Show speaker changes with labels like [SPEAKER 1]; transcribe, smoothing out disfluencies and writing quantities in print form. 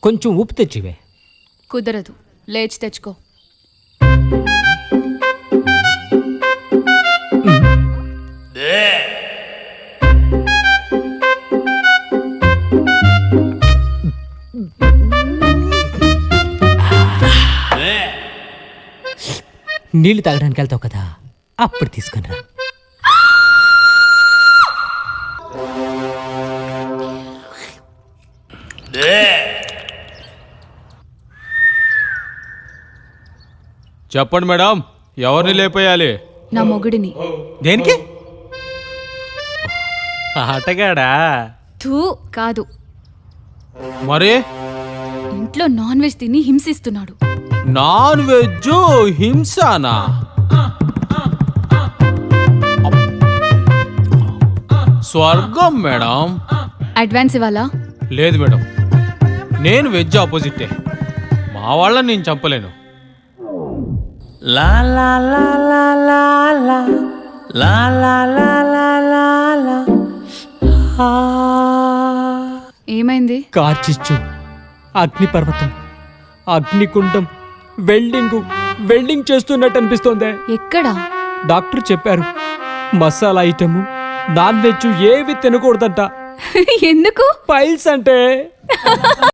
[SPEAKER 1] కొంచెం ఉప్పు తెచ్చివే.
[SPEAKER 2] కుదరదు, లేచి తెచ్చుకో.
[SPEAKER 1] నీళ్లు తాగడానికి వెళ్తావు కదా, అప్పుడు తీసుకుని రా.
[SPEAKER 3] చెప్పండి మేడం, ఎవరిని లేపేయాలి?
[SPEAKER 2] నా మొగుడిని.
[SPEAKER 3] దేనికి? ఆటగాడా?
[SPEAKER 2] థూ కాదు,
[SPEAKER 3] మరి
[SPEAKER 2] ఇంట్లో నాన్ వెజ్ తిని హింసిస్తున్నాడు.
[SPEAKER 3] Non veg హింసానా? స్వర్గం మేడం.
[SPEAKER 2] అడ్వాన్స్ ఇవ్వాలా?
[SPEAKER 3] లేదు మేడం, నేను వెజ్ ఆపోజిటే. మా వాళ్ళని నేను చంపలేను.
[SPEAKER 4] లా లా లా లా లా లా లా లా లా లా లా లా.
[SPEAKER 2] ఏమైంది?
[SPEAKER 1] కార్చిచ్చు, అగ్నిపర్వతం, అగ్నికుండం, వెల్డింగ్ చేస్తున్నట్టు అనిపిస్తోందే.
[SPEAKER 2] ఎక్కడా?
[SPEAKER 1] డాక్టర్ చెప్పారు, మసాలా ఐటము, నాన్ వెజ్ ఏవి తినకూడదంట.
[SPEAKER 2] ఎందుకు?
[SPEAKER 1] పైల్స్ అంటే